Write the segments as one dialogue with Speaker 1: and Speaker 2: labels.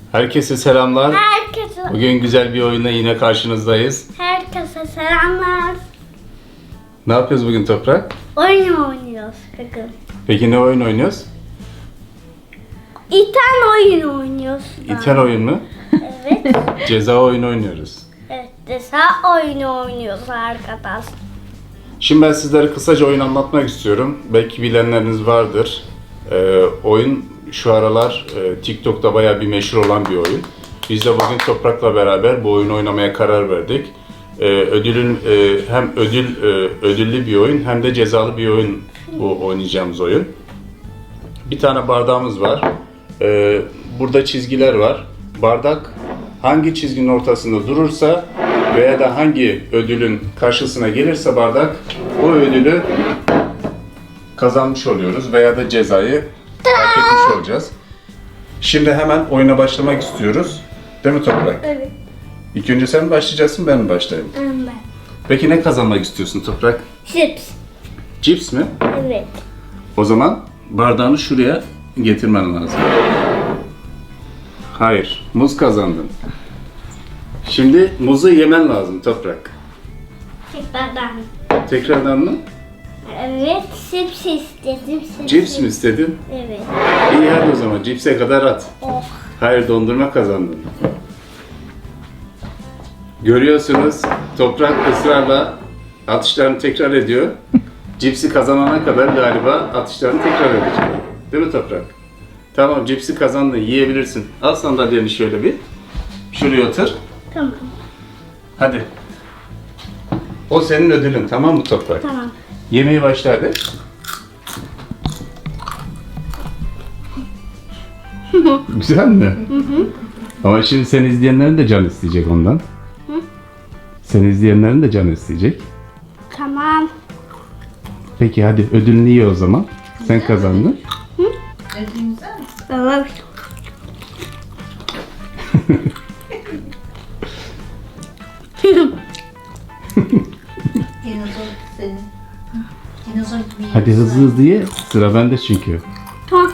Speaker 1: Herkese selamlar.
Speaker 2: Herkese,
Speaker 1: Bugün güzel bir oyunla yine karşınızdayız.
Speaker 2: herkese selamlar.
Speaker 1: Ne yapıyoruz bugün Toprak?
Speaker 2: Oyun oynuyoruz bugün.
Speaker 1: Peki ne oyun oynuyoruz?
Speaker 2: İten oyun oynuyoruz.
Speaker 1: İten oyun mu?
Speaker 2: Evet.
Speaker 1: Ceza oyunu oynuyoruz.
Speaker 2: Evet. Desa oyunu oynuyoruz arkadaş.
Speaker 1: Şimdi ben sizlere kısaca oyun anlatmak istiyorum. Belki bilenleriniz vardır. Oyun şu aralar TikTok'ta bayağı bir meşhur olan bir oyun. Biz de bugün Toprak'la beraber bu oyunu oynamaya karar verdik. Hem ödüllü bir oyun hem de cezalı bir oyun bu oynayacağımız oyun. Bir tane bardağımız var. Burada çizgiler var. Bardak hangi çizginin ortasında durursa veya da hangi ödülün karşısına gelirse bardak o ödülü kazanmış oluyoruz veya da cezayı hak etmiş olacağız. Şimdi hemen oyuna başlamak istiyoruz. Değil mi Toprak?
Speaker 2: Evet.
Speaker 1: İlk önce sen mi başlayacaksın, ben mi başlayayım?
Speaker 2: Ben.
Speaker 1: Peki ne kazanmak istiyorsun Toprak?
Speaker 2: Chips.
Speaker 1: Cips mi?
Speaker 2: Evet.
Speaker 1: O zaman bardağını şuraya getirmen lazım. Hayır, muz kazandın. Şimdi muzu yemen lazım Toprak.
Speaker 2: Tekrardan.
Speaker 1: Tekrardan mı?
Speaker 2: Evet. Chips istedim.
Speaker 1: Cips mi istedin?
Speaker 2: Evet.
Speaker 1: İyi hadi o zaman cipse kadar at.
Speaker 2: Oh.
Speaker 1: Hayır, dondurma kazandın. Görüyorsunuz Toprak ısrarla atışlarını tekrar ediyor. Cipsi kazanana kadar galiba atışlarını tekrar edecek. Değil mi Toprak? Tamam, cipsi kazandın, yiyebilirsin. Al sandalyeni şöyle bir. Şuraya otur.
Speaker 2: Tamam.
Speaker 1: Hadi. O senin ödülün, tamam mı Toprak?
Speaker 2: Tamam.
Speaker 1: Yemeği başla hadi. Güzel mi? Hı. Ama şimdi seni izleyenlerin de can isteyecek ondan.
Speaker 2: Hı?
Speaker 1: Seni izleyenlerin de can isteyecek.
Speaker 2: Tamam.
Speaker 1: Peki hadi ödülünü ye o zaman. Sen kazandın.
Speaker 3: Ödülün güzel mi?
Speaker 2: Tamam.
Speaker 3: Dinozor senin. Dinozor gibi
Speaker 1: Hadi
Speaker 3: yiyorsun.
Speaker 1: hızlı hızlı ye. Sıra bende çünkü.
Speaker 2: Tamam.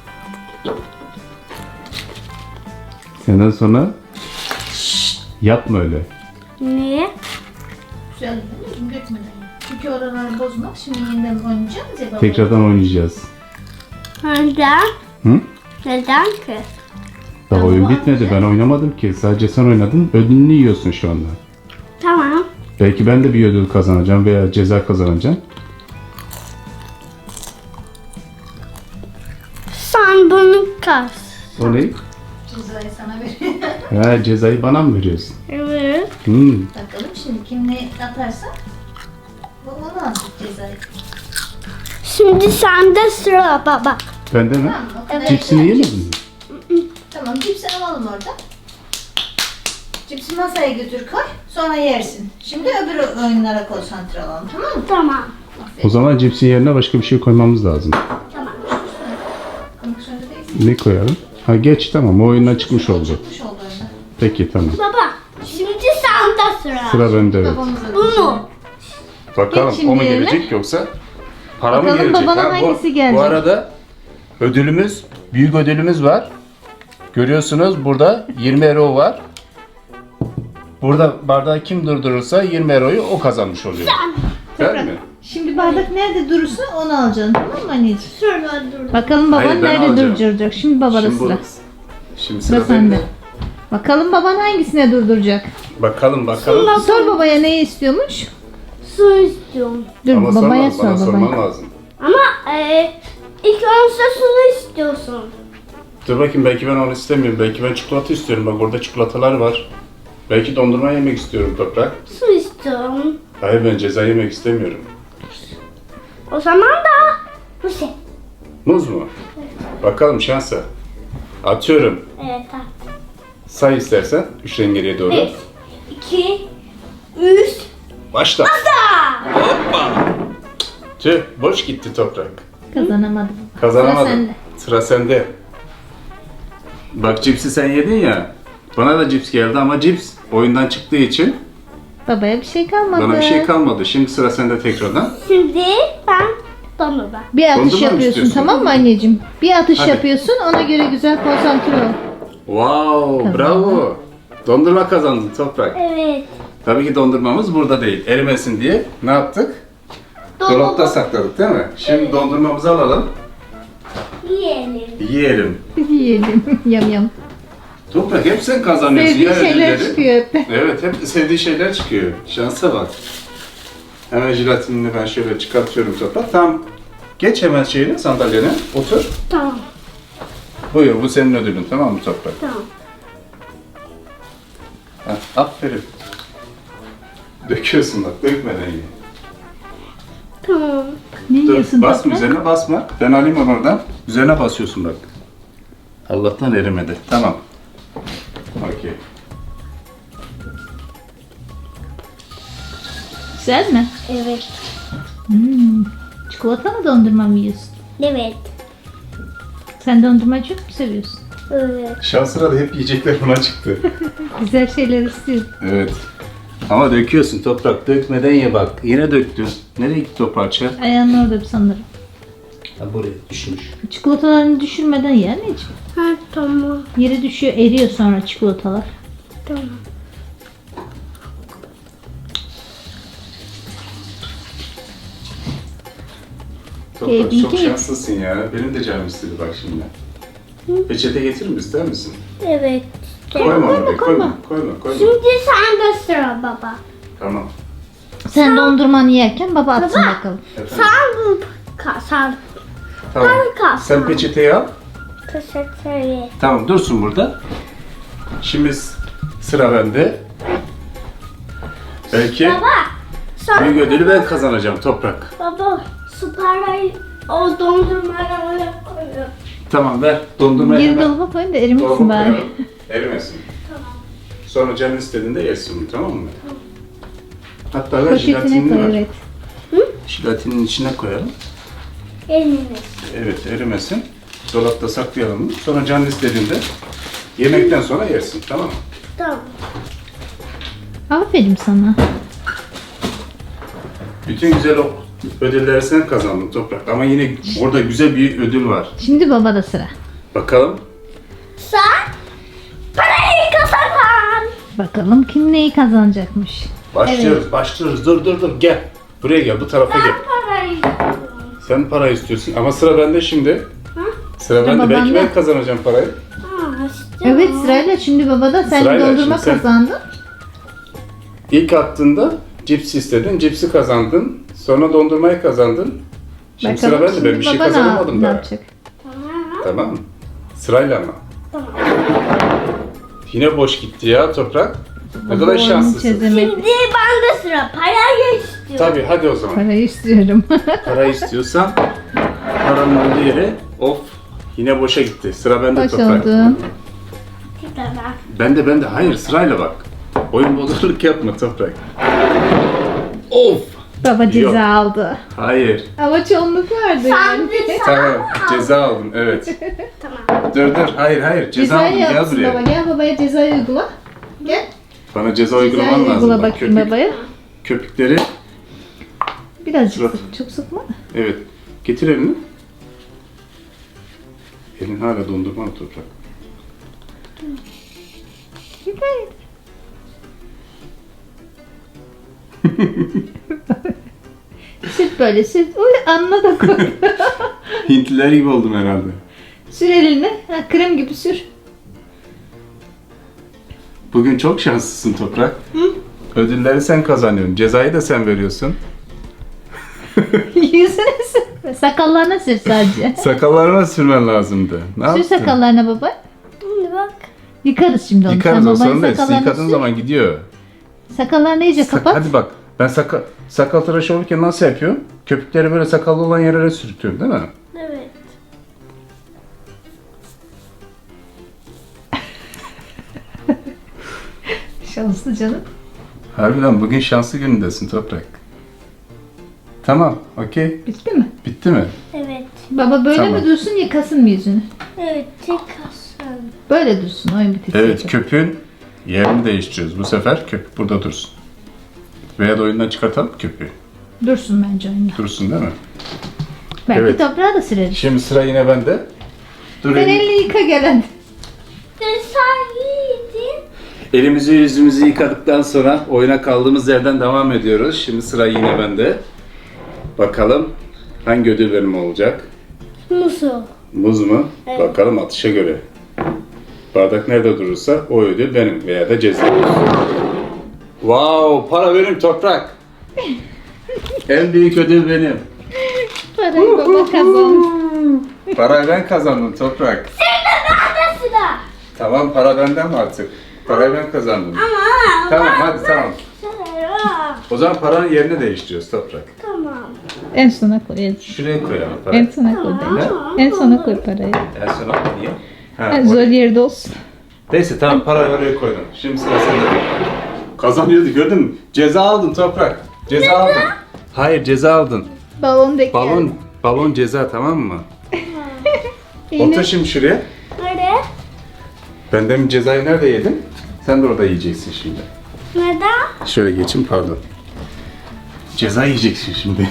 Speaker 1: Senden sonra yapma öyle.
Speaker 2: Niye?
Speaker 3: Güzel değil mi? Dökmeden. Çünkü oraları bozmak. Şimdi yeniden oynayacağız ya baba.
Speaker 1: Tekrardan oynayacağız.
Speaker 2: Neden?
Speaker 1: Hı?
Speaker 2: Neden ki?
Speaker 1: Daha
Speaker 3: Ama
Speaker 1: oyun
Speaker 3: bu
Speaker 1: bitmedi.
Speaker 3: anne-
Speaker 1: Ben oynamadım ki. Sadece sen oynadın. Ödülünü yiyorsun şu anda.
Speaker 2: Tamam.
Speaker 1: Belki ben de bir ödül kazanacağım veya ceza kazanacağım.
Speaker 2: Sen bunu kas.
Speaker 1: O ne?
Speaker 3: Cezayı sana veriyor.
Speaker 1: Ha, cezayı bana mı veriyorsun?
Speaker 2: Evet.
Speaker 3: Bakalım şimdi kim ne atarsa o onu alacak cezayı.
Speaker 2: Şimdi sende sıra baba.
Speaker 1: Bende mi?
Speaker 3: Tamam mı? O kadar
Speaker 1: Cipsini
Speaker 3: yeter.
Speaker 1: yemedin mi?
Speaker 3: Tamam cipsi alalım orada. Cipsi masaya götür koy. Sonra yersin. Şimdi öbür oyunlara konsantre olalım, tamam mı?
Speaker 2: Tamam.
Speaker 1: O zaman cipsin yerine başka bir şey koymamız lazım.
Speaker 2: Tamam.
Speaker 3: Konuşmada değilsin.
Speaker 1: Ne koyalım? Ha geç, tamam, o oyundan çıkmış oldu.
Speaker 3: Çıkmış oldu oyundan.
Speaker 1: Peki tamam.
Speaker 2: Baba. Şimdi sende sıra.
Speaker 1: Sıra bende, evet.
Speaker 3: Babamıza
Speaker 2: Bunu.
Speaker 1: Bakalım
Speaker 3: Geç şimdi
Speaker 1: o mu
Speaker 3: yerine.
Speaker 1: gelecek yoksa para mı
Speaker 3: Bakalım
Speaker 1: gelecek?
Speaker 3: babana
Speaker 1: Ha,
Speaker 3: hangisi
Speaker 1: Bu
Speaker 3: gelecek?
Speaker 1: arada ödülümüz, büyük ödülümüz var. Görüyorsunuz burada 20 euro var. Burada bardağı kim durdurursa 20 euroyu o kazanmış oluyor. Değil mi?
Speaker 3: Şimdi bardak nerede durursa onu alacaksın, tamam mı anneciğim?
Speaker 2: Şurada dur.
Speaker 3: Bakalım baban
Speaker 1: Hayır, ben
Speaker 3: nerede
Speaker 1: alacağım.
Speaker 3: durduracak. Şimdi babada
Speaker 1: Şimdi,
Speaker 3: sıra.
Speaker 1: şimdi
Speaker 3: Sıra
Speaker 1: sıra bende.
Speaker 3: sende. Bakalım baban hangisine durduracak?
Speaker 1: Bakalım bakalım.
Speaker 3: Sor babaya neyi istiyormuş?
Speaker 2: Su istiyorum.
Speaker 3: Dur
Speaker 1: Ama
Speaker 3: babaya
Speaker 1: sorma, bana
Speaker 3: sor
Speaker 1: sorman
Speaker 3: babaya.
Speaker 1: lazım.
Speaker 2: Ama ilk önce su istiyorsun.
Speaker 1: Dur bakayım, belki ben onu istemiyorum. Belki ben çikolata istiyorum. Bak orada çikolatalar var. Belki dondurma yemek istiyorum Toprak.
Speaker 2: Su istiyorum.
Speaker 1: Hayır, ben ceza yemek istemiyorum.
Speaker 2: O zaman da bu şey.
Speaker 1: Muz mu? Bakalım şansa. Atıyorum.
Speaker 2: Evet.
Speaker 1: Say istersen 3'ten geriye doğru.
Speaker 2: 1, 2, 3.
Speaker 1: Başla. Hoppa. Tüh, boş gitti Toprak.
Speaker 3: Kazanamadım.
Speaker 1: Kazanamadın.
Speaker 3: Sıra sende.
Speaker 1: Sıra sende. Bak cipsi sen yedin ya. Bana da cips geldi ama cips oyundan çıktığı için
Speaker 3: Babaya bir şey kalmadı.
Speaker 1: bana bir şey kalmadı. Şimdi sıra sende tekrardan.
Speaker 2: Şimdi ben dondurma.
Speaker 3: Bir atış
Speaker 1: Dondurma mı
Speaker 3: yapıyorsun,
Speaker 1: istiyorsun?
Speaker 3: tamam mı anneciğim? Bir atış
Speaker 1: Hadi.
Speaker 3: yapıyorsun, ona göre güzel konsantre ol.
Speaker 1: Wow,
Speaker 4: Tamam.
Speaker 1: bravo. Dondurma kazandın Toprak.
Speaker 2: Evet.
Speaker 1: Tabii ki dondurmamız burada değil. Erimesin diye ne yaptık? Dolapta sakladık değil mi? Şimdi dondurmamızı alalım.
Speaker 2: Yiyelim.
Speaker 1: Yiyelim.
Speaker 4: Yiyelim. Yam yam.
Speaker 1: Toprak hep sen kazanıyorsun
Speaker 4: Sevdiği
Speaker 1: ya
Speaker 4: şeyler
Speaker 1: ödülleri.
Speaker 4: çıkıyor hep.
Speaker 1: Evet, hep sevdiği şeyler çıkıyor. Şansa bak. Hemen jelatinini ben şöyle çıkartıyorum Toprak. Tamam. Geç hemen şeyine, sandalyene. Otur.
Speaker 2: Tamam.
Speaker 1: Buyur, bu senin ödülün. Tamam mı Toprak?
Speaker 2: Tamam.
Speaker 1: Ha, aferin. Döküyorsun bak, dökmeden ye.
Speaker 2: Tamam.
Speaker 4: Ne
Speaker 1: Dur,
Speaker 4: yiyorsun
Speaker 1: basma
Speaker 4: Toprak?
Speaker 1: üzerine basma. Ben alayım onu oradan. Üzerine basıyorsun bak. Allah'tan erimedi. Tamam. Okey.
Speaker 4: Güzel mi?
Speaker 2: Evet.
Speaker 4: Çikolata mı dondurma mı yiyorsun?
Speaker 2: Evet.
Speaker 4: Sen dondurmayı çok mu seviyorsun?
Speaker 2: Evet.
Speaker 1: Şansına da hep yiyecekler buna çıktı.
Speaker 4: Güzel şeyler istiyorum.
Speaker 1: Evet. Ama döküyorsun Toprak. Dökmeden ye bak. Yine döktün. Nereye gitti o parça?
Speaker 4: Ayağının orada sanırım.
Speaker 1: Ha, buraya düşmüş.
Speaker 4: Çikolatalarını düşürmeden ye anneciğim.
Speaker 2: Ha tamam.
Speaker 4: Yere düşüyor, eriyor sonra çikolatalar.
Speaker 2: Tamam.
Speaker 1: Toprak
Speaker 4: İyi
Speaker 1: çok
Speaker 4: ki-
Speaker 1: şanslısın ya. Benim de canım istedi bak şimdi. Peçete getirir mi? İster misin?
Speaker 2: Evet.
Speaker 1: Koyma oraya.
Speaker 4: koyma.
Speaker 1: Koyma. Koyma. Koyma.
Speaker 2: Şimdi sende sıra baba.
Speaker 1: Tamam.
Speaker 4: Sen dondurmanı yerken baba atsın
Speaker 2: Baba.
Speaker 4: bakalım.
Speaker 1: Efendim.
Speaker 2: Sen sen
Speaker 1: Tamam.
Speaker 2: kalk.
Speaker 1: Sen peçeteyi al.
Speaker 2: teşekkür ederim.
Speaker 1: Tamam dursun burada. Şimdi sıra bende. Belki
Speaker 2: Baba. Sen
Speaker 1: büyük ödülü ben kazanacağım Toprak.
Speaker 2: baba su parayı o dondurmayla oraya koyuyor.
Speaker 1: Tamam ver. Dondurmayı
Speaker 4: Geri
Speaker 1: hemen
Speaker 4: dolaba koyun da erimesin
Speaker 1: dolaba
Speaker 4: bari.
Speaker 1: koyalım. Erimesin.
Speaker 2: Tamam.
Speaker 1: Sonra canın istediğinde yersin bunu, tamam mı? Hatta ver
Speaker 4: Poşetine
Speaker 1: jelatinini
Speaker 4: koy
Speaker 1: ver.
Speaker 4: evet.
Speaker 1: Jelatinin içine koyalım.
Speaker 2: Eliniz.
Speaker 1: Evet erimesin. Dolapta saklayalım bunu. Sonra canın istediğinde yemekten sonra yersin, tamam mı?
Speaker 2: Tamam.
Speaker 4: Aferin sana.
Speaker 1: Bütün güzel o ödülleri sen kazandın Toprak. Ama yine orada güzel bir ödül var.
Speaker 4: Şimdi baba da sıra.
Speaker 1: Bakalım.
Speaker 2: Sen parayı kazan.
Speaker 4: Bakalım kim neyi kazanacakmış.
Speaker 1: Başlıyoruz, başlıyoruz. Dur. Gel. Buraya gel, bu tarafa gel.
Speaker 2: Parayı istiyorum.
Speaker 1: Sen para istiyorsun ama sıra bende şimdi.
Speaker 2: Ha?
Speaker 1: Sıra bende.
Speaker 4: Ama
Speaker 1: Belki
Speaker 4: bende.
Speaker 1: ben kazanacağım parayı.
Speaker 2: Ha işte.
Speaker 4: Evet sırayla şimdi baba da sen
Speaker 1: Sırayla,
Speaker 4: dondurma
Speaker 1: şimdi sen-
Speaker 4: kazandın.
Speaker 1: İlk attığında cips istedin, cipsi kazandın. Sonra dondurmayı kazandın. Şimdi sıra bende. Ben bir şey
Speaker 4: baba
Speaker 1: kazanamadım
Speaker 4: ne
Speaker 1: daha.
Speaker 4: yapacak?
Speaker 2: Tamam.
Speaker 1: Tamam mı? Sırayla ama.
Speaker 2: Tamam.
Speaker 1: Yine boş gitti ya Toprak. Ne
Speaker 4: Baba
Speaker 1: kadar
Speaker 4: oyunu
Speaker 1: şanslısın.
Speaker 4: çözemedi.
Speaker 2: Şimdi bende sıra. Parayı istiyorum.
Speaker 1: Tabii hadi o zaman.
Speaker 4: Parayı istiyorum.
Speaker 1: Para istiyorsan paranın olduğu yere of yine boşa gitti. Sıra bende
Speaker 4: Boş
Speaker 1: Toprak.
Speaker 4: oldu.
Speaker 2: Tamam.
Speaker 1: Bende. Hayır sırayla bak. Oyun bozukluk yapma Toprak. Of.
Speaker 4: Baba ceza
Speaker 1: Yok.
Speaker 4: aldı.
Speaker 1: Hayır.
Speaker 4: Ama çoğunluk vardı
Speaker 2: Sen
Speaker 4: yani.
Speaker 2: de
Speaker 1: Tamam. Ceza aldım. Evet.
Speaker 2: Tamam.
Speaker 1: Dur. Hayır. Ceza aldım.
Speaker 4: Cezayı
Speaker 1: Gel
Speaker 4: yapsın
Speaker 1: buraya.
Speaker 4: baba. Gel babaya cezayı uygula. Gel.
Speaker 1: Bana ceza uygulaman
Speaker 4: Cezayı
Speaker 1: lazım.
Speaker 4: uygula
Speaker 1: Bak,
Speaker 4: bakayım babaya.
Speaker 1: köpükleri.
Speaker 4: Birazcık
Speaker 1: Surat.
Speaker 4: sık. Çok sıkma.
Speaker 1: Evet. Getir elini. Elin hala dondurma mı Toprak?
Speaker 4: Güzel. Süt böyle süt. Uy anla da koy.
Speaker 1: Hintliler gibi oldum herhalde.
Speaker 4: Sür eline. Ha, krem gibi sür.
Speaker 1: Bugün çok şanslısın Toprak. Ödülleri sen kazanıyorsun. Cezayı da sen veriyorsun.
Speaker 4: Yüzüne sür. Sakallarına sür sadece.
Speaker 1: Sakallarına sürmen lazımdı. Ne
Speaker 4: Sür
Speaker 1: yaptın?
Speaker 4: sakallarına baba.
Speaker 2: Şimdi bak.
Speaker 4: Yıkarız şimdi onu.
Speaker 1: Yıkarız
Speaker 4: Sen
Speaker 1: o
Speaker 4: babanın
Speaker 1: sorun değil.
Speaker 4: sakallarını
Speaker 1: Yıkadığın
Speaker 4: sür.
Speaker 1: zaman gidiyor.
Speaker 4: Sakallarını iyice kapat.
Speaker 1: Hadi bak. Ben sakal tıraşı olurken nasıl yapıyorum? Köpükleri böyle sakallı olan yerlere sürtüyorum değil mi?
Speaker 2: Evet.
Speaker 4: Şanslı canım.
Speaker 1: Harbiden bugün şanslı günündesin Toprak. Tamam. Okey.
Speaker 4: Bitti mi?
Speaker 1: Bitti mi?
Speaker 2: Evet.
Speaker 4: Baba böyle
Speaker 1: Tamam.
Speaker 4: mi dursun yıkasın mı yüzünü?
Speaker 2: Evet. Tek aslan.
Speaker 4: Böyle dursun oyun bitince.
Speaker 1: Evet. Köpüğün yerini değiştiriyoruz. Bu sefer köpük burada dursun. Veya da oyundan çıkartalım köpüğü.
Speaker 4: Dursun bence oyunda.
Speaker 1: Dursun değil mi?
Speaker 4: Belki
Speaker 1: Evet.
Speaker 4: toprağa da süreriz.
Speaker 1: Şimdi sıra yine bende. Dur
Speaker 4: Sen
Speaker 1: elini-
Speaker 4: elini yıka gelen.
Speaker 2: Sen
Speaker 1: Elimizi yüzümüzü yıkadıktan sonra oyuna kaldığımız yerden devam ediyoruz. Şimdi sıra yine bende. Bakalım hangi ödül benim olacak?
Speaker 2: Musu.
Speaker 1: Muz mu?
Speaker 2: Evet.
Speaker 1: Bakalım atışa göre. Bardak nerede durursa o ödül benim veya da ceza. Wow, para benim Toprak. En büyük ödül benim.
Speaker 4: Parayı baba kazandı.
Speaker 1: Parayı ben kazandım Toprak.
Speaker 2: Nerede sıra?
Speaker 1: Tamam, para benden mi artık? Parayı ben kazandım.
Speaker 2: Ama.
Speaker 1: Tamam, hadi tamam.
Speaker 2: Sıra.
Speaker 1: O zaman paranın yerini değiştiriyoruz Toprak.
Speaker 2: Tamam.
Speaker 4: En sona koyalım.
Speaker 1: Şuraya koyalım
Speaker 4: En
Speaker 1: parayı.
Speaker 4: sona koy bence. En sona koy parayı.
Speaker 1: En sona niye? Ha,
Speaker 4: Ha, zor yerde olsun.
Speaker 1: Neyse tamam, parayı oraya koydum. Şimdi sıra sende. Kazanıyordu, gördün mü? Ceza aldın Toprak. Ceza aldın. Hayır, ceza aldın.
Speaker 4: Balon da
Speaker 1: Balon ceza, tamam mı?
Speaker 4: Yine
Speaker 1: Otur şimdi şuraya.
Speaker 2: Nerede?
Speaker 1: Ben demin cezayı nerede yedim? Sen de orada yiyeceksin şimdi.
Speaker 2: Neden?
Speaker 1: Şöyle geçin, pardon. Ceza yiyeceksin şimdi.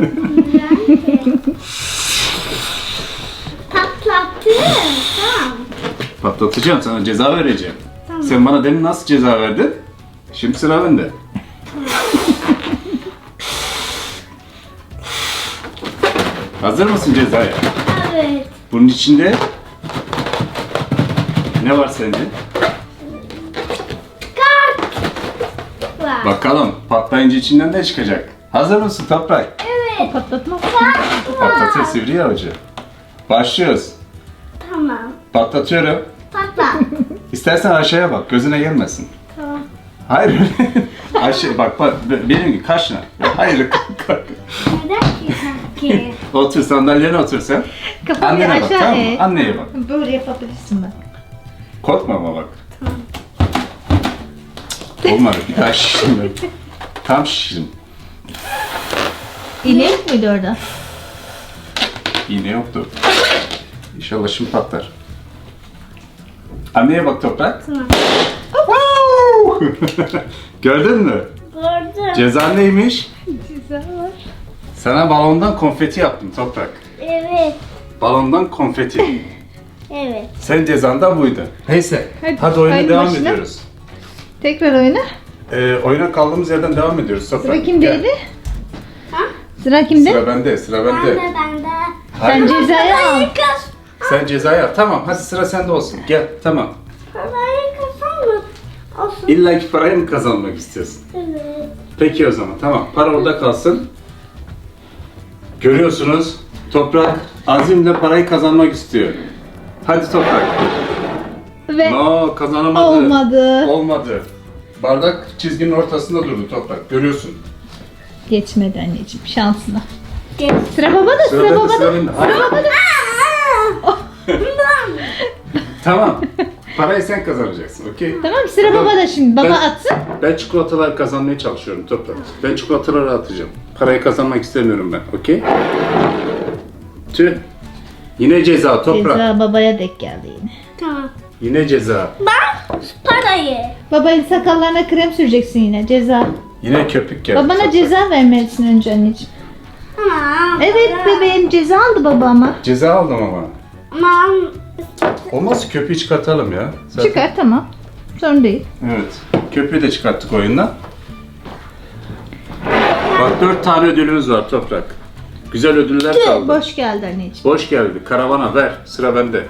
Speaker 2: Patlattı. Tamam.
Speaker 1: Patlatacağım, sana ceza vereceğim.
Speaker 2: Tamam.
Speaker 1: Sen bana demin nasıl ceza verdin? Şimdi sıra bende. Hazır mısın cezaya?
Speaker 2: Evet.
Speaker 1: Bunun içinde ne var sence?
Speaker 2: Kart. Var.
Speaker 1: Bakalım patlayınca içinden ne çıkacak? Hazır mısın Toprak?
Speaker 2: Evet.
Speaker 4: patlatma.
Speaker 1: Patlatır sivri avucu. Başlıyoruz.
Speaker 2: Tamam.
Speaker 1: Patlatıyorum.
Speaker 2: Patla.
Speaker 1: İstersen aşağıya bak, gözüne gelmesin.
Speaker 2: Tamam.
Speaker 1: Hayır. Aşağı bak, benim gibi kaşına. Hayır.
Speaker 2: Neden ki?
Speaker 1: Otur, sandalyene otur sen.
Speaker 4: Kafayı
Speaker 1: Annene bak,
Speaker 4: aşağı
Speaker 1: tamam mı?
Speaker 4: eğ.
Speaker 1: Anneye bak.
Speaker 4: Böyle yapabilirsin bak.
Speaker 1: Korkma ama bak. Olmadı, bir daha şiştim ben. Tam şiştim.
Speaker 4: İğne yok muydu orada?
Speaker 1: İğne yoktu. İnşallah şimdi patlar. Anneye bak Toprak.
Speaker 2: Tamam.
Speaker 1: Gördün mü?
Speaker 2: Gördüm.
Speaker 1: Ceza neymiş?
Speaker 4: Güzel var.
Speaker 1: Sana balondan konfeti yaptım Toprak.
Speaker 2: Evet.
Speaker 1: Balondan konfeti.
Speaker 2: Evet.
Speaker 1: Sen cezan da buydu. Neyse. Hadi oyuna
Speaker 4: haydi
Speaker 1: devam
Speaker 4: başla.
Speaker 1: ediyoruz.
Speaker 4: Tekrar oyna.
Speaker 1: Oyuna kaldığımız yerden devam ediyoruz Toprak.
Speaker 4: Sıra kimdeydi?
Speaker 1: Gel.
Speaker 2: Ha?
Speaker 4: Sıra kimde?
Speaker 1: Sıra bende, sıra
Speaker 2: Ben
Speaker 1: bende.
Speaker 2: de ben de.
Speaker 1: Hayır,
Speaker 4: Sen cezayı al.
Speaker 2: Kız.
Speaker 1: sen cezayı al. Tamam, hadi sıra sende olsun. Gel, tamam.
Speaker 2: Parayı kazanma. Olsun.
Speaker 1: İlla ki parayı mı kazanmak istiyorsun?
Speaker 2: Evet.
Speaker 1: Peki o zaman, tamam. Para orada kalsın. Görüyorsunuz, Toprak azimle parayı kazanmak istiyor. Hadi Toprak.
Speaker 4: Ve
Speaker 1: No, kazanamadı.
Speaker 4: olmadı.
Speaker 1: Olmadı. Bardak çizginin ortasında durdu Toprak. Görüyorsun.
Speaker 4: Geçmedi anneciğim şansına.
Speaker 2: Geç.
Speaker 4: Sıra babada, sıra
Speaker 1: bende,
Speaker 4: babada.
Speaker 1: sıra bende. Hayır. Tamam. Parayı sen kazanacaksın, okey?
Speaker 4: Tamam sıra babada şimdi. Baba
Speaker 1: Ben-
Speaker 4: atsın.
Speaker 1: Ben çikolatalar kazanmaya çalışıyorum Toprak. Ben çikolataları atacağım. Parayı kazanmak istemiyorum ben, okey? Tüh. Yine ceza Toprak.
Speaker 4: Ceza babaya denk geldi yine.
Speaker 2: Tamam.
Speaker 1: Yine ceza.
Speaker 2: Ben parayı.
Speaker 4: Babanın sakallarına krem süreceksin yine. Ceza.
Speaker 1: Yine köpük geldi.
Speaker 4: Babana
Speaker 1: Toprak.
Speaker 4: ceza vermelisin önce anneciğim.
Speaker 2: Tamam.
Speaker 4: Evet bebeğim ceza aldı baba ama.
Speaker 1: Ceza aldım ama.
Speaker 2: Aman.
Speaker 1: Olmazsa köpüğü çıkartalım ya. Zaten-
Speaker 4: Çıkar tamam. Sorun değil.
Speaker 1: Evet. Köpüğü de çıkarttık oyundan. Bak 4 tane ödülümüz var Toprak. Güzel ödüller kaldı.
Speaker 4: Boş geldi anneciğim.
Speaker 1: Boş geldi. Karavana ver. Sıra bende.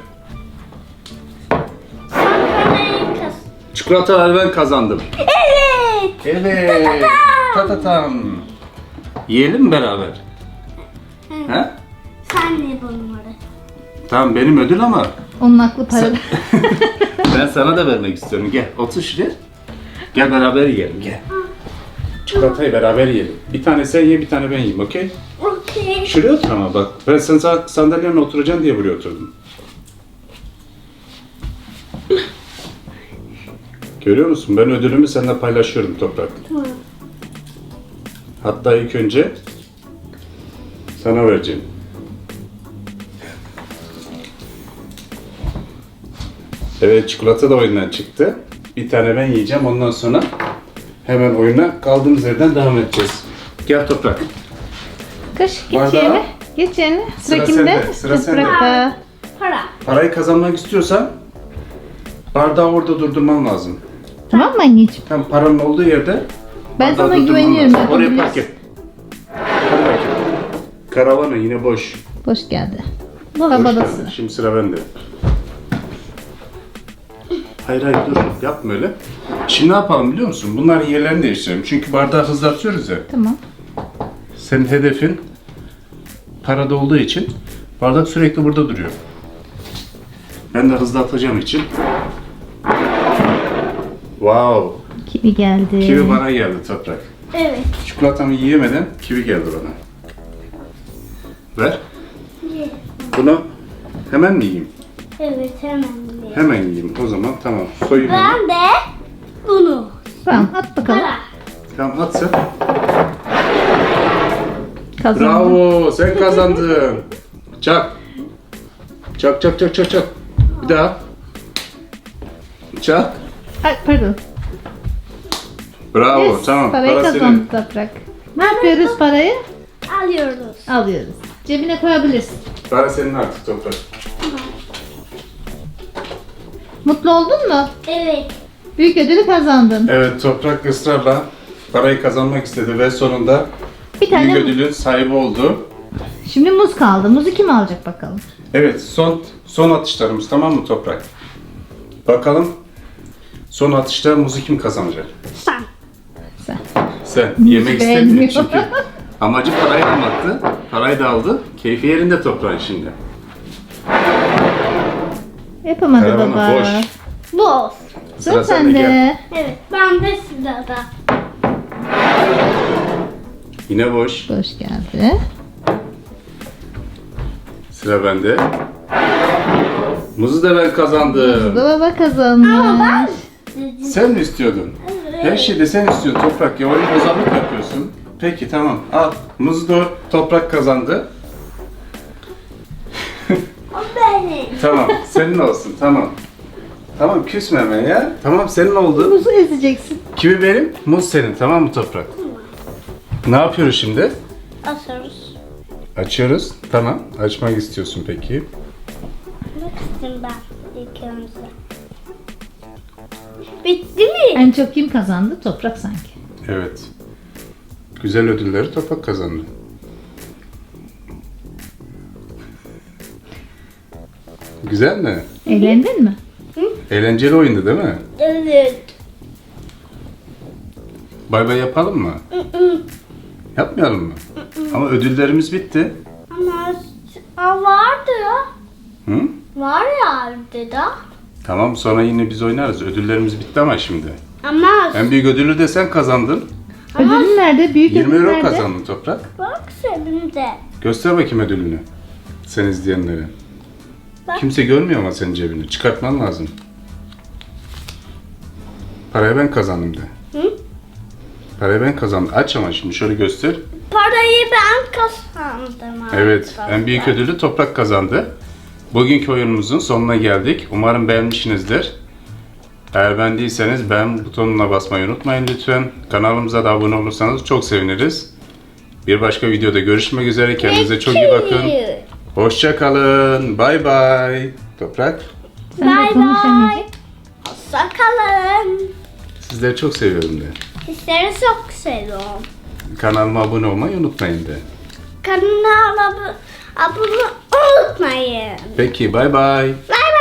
Speaker 2: Sen parayı kaz.
Speaker 1: Çikolataları ben kazandım.
Speaker 2: Evet.
Speaker 1: Evet. Tatatam. Yiyelim mi beraber? He?
Speaker 2: Sen ne bunları?
Speaker 1: Tamam, benim ödül ama
Speaker 4: Onun aklı parada.
Speaker 1: ben sana da vermek istiyorum. Gel otur şuraya. Gel beraber yiyelim, gel. Çikolatayı beraber yiyelim. Bir tane sen ye, bir tane ben yiyeyim, okey?
Speaker 2: Okey.
Speaker 1: Şuraya otur ama bak. Ben sen sandalyenle oturacaksın diye buraya oturdum. Görüyor musun? Ben ödülümü seninle paylaşıyorum Toprak.
Speaker 2: Tamam.
Speaker 1: Hatta ilk önce sana vereceğim. Evet, çikolata da oyundan çıktı. Bir tane ben yiyeceğim. Ondan sonra hemen oyuna kaldığımız yerden devam edeceğiz. Gel Toprak.
Speaker 4: Kaş geç
Speaker 1: Bardağı.
Speaker 4: yerine. Geç yerine. Sıra
Speaker 1: Sıra
Speaker 4: kimde?
Speaker 1: sende, sıra sende.
Speaker 4: Toprakta.
Speaker 2: Para.
Speaker 1: Parayı kazanmak istiyorsan bardağı orada durdurman lazım.
Speaker 4: Tamam mı anneciğim?
Speaker 1: Tam paranın olduğu yerde
Speaker 4: Ben
Speaker 1: bardağı
Speaker 4: sana
Speaker 1: durdurman
Speaker 4: güveniyorum,
Speaker 1: lazım. Oraya
Speaker 4: yapabilirsin.
Speaker 1: park et. Hadi bakayım. Karavanı yine boş.
Speaker 4: Boş geldi.
Speaker 1: Boş
Speaker 4: Arabada
Speaker 1: geldi.
Speaker 4: sıra.
Speaker 1: Şimdi sıra bende. Hayır dur yapma öyle. Şimdi ne yapalım biliyor musun? Bunların yerlerini değiştirelim. Çünkü bardağı hızlatıyoruz ya.
Speaker 4: Tamam.
Speaker 1: Senin hedefin parada olduğu için bardak sürekli burada duruyor. Ben de hızlatacağım için. Wow.
Speaker 4: Kivi geldi.
Speaker 1: Kivi bana geldi Toprak.
Speaker 2: Evet.
Speaker 1: Çikolatamı yiyemeden kivi geldi bana. Ver.
Speaker 2: Ye.
Speaker 1: Bunu hemen mi yiyeyim?
Speaker 2: Evet hemen ye.
Speaker 1: Hemen yiyeyim. O zaman tamam. Soyayım. onu.
Speaker 2: Ben de bunu.
Speaker 4: Tamam at bakalım.
Speaker 2: Para.
Speaker 1: Tamam at sen.
Speaker 4: Kazandın.
Speaker 1: Bravo sen kazandın. Çak. Çak çak çak çak çak. Bir daha. Çak.
Speaker 4: Ay pardon.
Speaker 1: Bravo
Speaker 4: Yes,
Speaker 1: tamam.
Speaker 4: parayı
Speaker 1: Para
Speaker 4: kazandı
Speaker 1: senin.
Speaker 4: Toprak. Ne yapıyoruz parayı?
Speaker 2: Alıyoruz.
Speaker 4: Alıyoruz. Cebine koyabilirsin.
Speaker 1: Para senin artık Toprak.
Speaker 4: Mutlu oldun mu?
Speaker 2: Evet.
Speaker 4: Büyük ödülü kazandın.
Speaker 1: Evet Toprak ısrarla parayı kazanmak istedi ve sonunda
Speaker 4: Bir tane
Speaker 1: büyük ödülün sahibi oldu.
Speaker 4: Şimdi muz kaldı. Muzu kim alacak bakalım?
Speaker 1: Evet son atışlarımız tamam mı Toprak? Bakalım son atışta muzu kim kazanacak?
Speaker 2: Sen.
Speaker 4: Sen.
Speaker 1: Sen
Speaker 4: Muzu
Speaker 1: yemek
Speaker 4: beğenmiyor.
Speaker 1: istemiyor çünkü amacı parayı almaktı. Parayı da aldı. Keyfi yerinde Toprağın şimdi.
Speaker 4: Yapamadı
Speaker 1: Karavana
Speaker 4: baba.
Speaker 1: boş.
Speaker 2: Boz.
Speaker 4: Sıra
Speaker 1: sende, gel.
Speaker 4: sende.
Speaker 2: Evet. Ben de sırada.
Speaker 1: Yine boş.
Speaker 4: Boş geldi.
Speaker 1: Sıra bende. Muzu da ben kazandım.
Speaker 4: Bu da baba kazandı.
Speaker 1: Sen mi istiyordun? Her şeyde sen istiyorsun Toprak ya. Oyun bozanlık yapıyorsun. Peki tamam al. Muzu da Toprak kazandı.
Speaker 2: O benim.
Speaker 1: Tamam senin olsun tamam. Tamam küsme hemen ya. Tamam senin oldu.
Speaker 4: Muzu ezeceksin.
Speaker 1: Kivi benim, muz senin tamam mı Toprak? Ne yapıyoruz şimdi?
Speaker 2: Asarız.
Speaker 1: Açıyoruz. Tamam. Açmak istiyorsun peki.
Speaker 2: Bak istedim ben ilk önce. Bitti mi?
Speaker 4: En çok kim kazandı? Toprak sanki.
Speaker 1: Evet. Güzel ödülleri Toprak kazandı. Güzel mi?
Speaker 4: Eğlendin mi?
Speaker 1: Eğlenceli oyundu değil mi?
Speaker 2: Evet.
Speaker 1: Bay bay yapalım mı? Yapmayalım mı? Ama ödüllerimiz bitti.
Speaker 2: Ama vardı ya.
Speaker 1: Hı?
Speaker 2: Var ya dedi.
Speaker 1: Tamam sonra yine biz oynarız. Ödüllerimiz bitti ama şimdi.
Speaker 2: Ama
Speaker 1: En büyük ödülü de sen kazandın.
Speaker 4: Ödülün nerede? Büyük
Speaker 1: 20
Speaker 4: ödül
Speaker 1: euro
Speaker 4: nerede?
Speaker 1: kazandın Toprak.
Speaker 2: bak senin de.
Speaker 1: Göster bakayım ödülünü. Sen izleyenlere.
Speaker 2: Bak.
Speaker 1: Kimse görmüyor ama senin cebini. Çıkartman lazım. Parayı ben kazandım de.
Speaker 2: Hı?
Speaker 1: Parayı ben kazandım. Aç ama şimdi şöyle göster.
Speaker 2: Parayı ben kazandım.
Speaker 1: Evet,
Speaker 2: arkadaşlar.
Speaker 1: en büyük ödülü Toprak kazandı. Bugünkü oyunumuzun sonuna geldik. Umarım beğenmişsinizdir. Eğer beğendiyseniz beğen butonuna basmayı unutmayın lütfen. Kanalımıza da abone olursanız çok seviniriz. Bir başka videoda görüşmek üzere. Kendinize çok iyi bakın. Hoşça kalın. Bay bay. Toprak,
Speaker 4: Sen de
Speaker 2: Bay
Speaker 4: konuş
Speaker 2: bay.
Speaker 4: anneciğim.
Speaker 2: Hoşça kalın.
Speaker 1: sizleri çok seviyorum de.
Speaker 2: Sizleri çok seviyorum.
Speaker 1: Kanalıma abone olmayı unutmayın de.
Speaker 2: Kanala abone olmayı unutmayın.
Speaker 1: Peki, bay bay.
Speaker 2: Bay